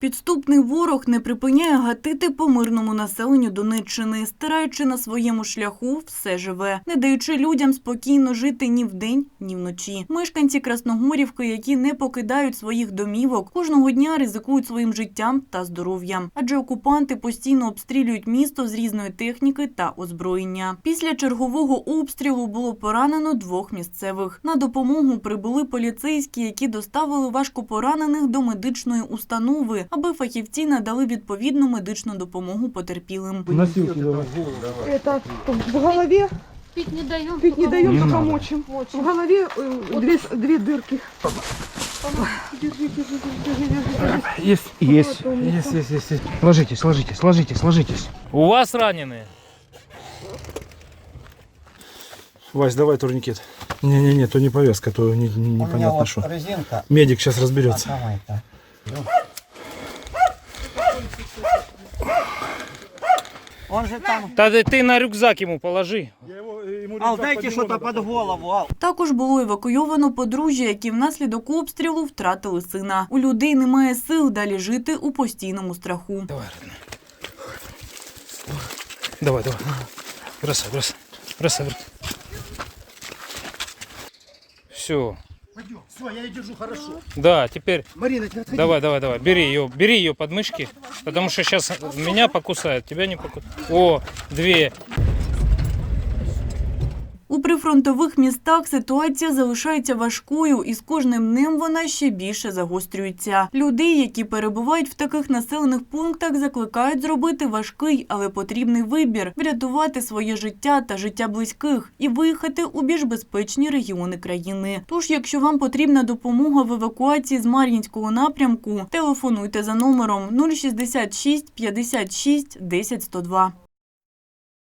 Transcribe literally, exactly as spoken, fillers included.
Підступний ворог не припиняє гатити по мирному населенню Донеччини, стираючи на своєму шляху все живе, не даючи людям спокійно жити ні вдень, ні вночі. Мешканці Красногорівки, які не покидають своїх домівок, кожного дня ризикують своїм життям та здоров'ям. Адже окупанти постійно обстрілюють місто з різної техніки та озброєння. Після чергового обстрілу було поранено двох місцевих. На допомогу прибули поліцейські, які доставили важкопоранених до медичної установи, аби фахівці надали відповідну медичну допомогу потерпілим. Носилки давай. Это в голове Пить не даем. пить не даем, Не только надо. мочим. В голове э, две, две дырки. Держи, держи, держи, держи. Есть, есть, есть, есть, есть, есть. Ложитесь, ложитесь, ложитесь, ложитесь. У вас раненые? Вась, давай турникет. Не-не-не, то не повязка, то не, не, У меня непонятно вот что. резинка. Медик сейчас разберется. А давай-то. Он же там. Да ты на рюкзак ему положи. Ал, дайте что-то под голову, Ал. Також було евакуйовано подружжя, які внаслідок обстрілу втратили сина. У людей немає сил далі жити у постійному страху. Давай, родной. Давай, давай. Бросай, бросай. Бросай, бросай. Все. Все, я ее держу хорошо. Да, теперь Марина, ты отходи. давай, давай, давай. Бери ее, бери ее под мышки, потому что сейчас меня покусает, тебя не покусает. О, две. У прифронтових містах ситуація залишається важкою, і з кожним днем вона ще більше загострюється. Людей, які перебувають в таких населених пунктах, закликають зробити важкий, але потрібний вибір – врятувати своє життя та життя близьких і виїхати у більш безпечні регіони країни. Тож, якщо вам потрібна допомога в евакуації з Мар'їнського напрямку, телефонуйте за номером нуль шістдесят шість п'ятдесят шість десять сто два.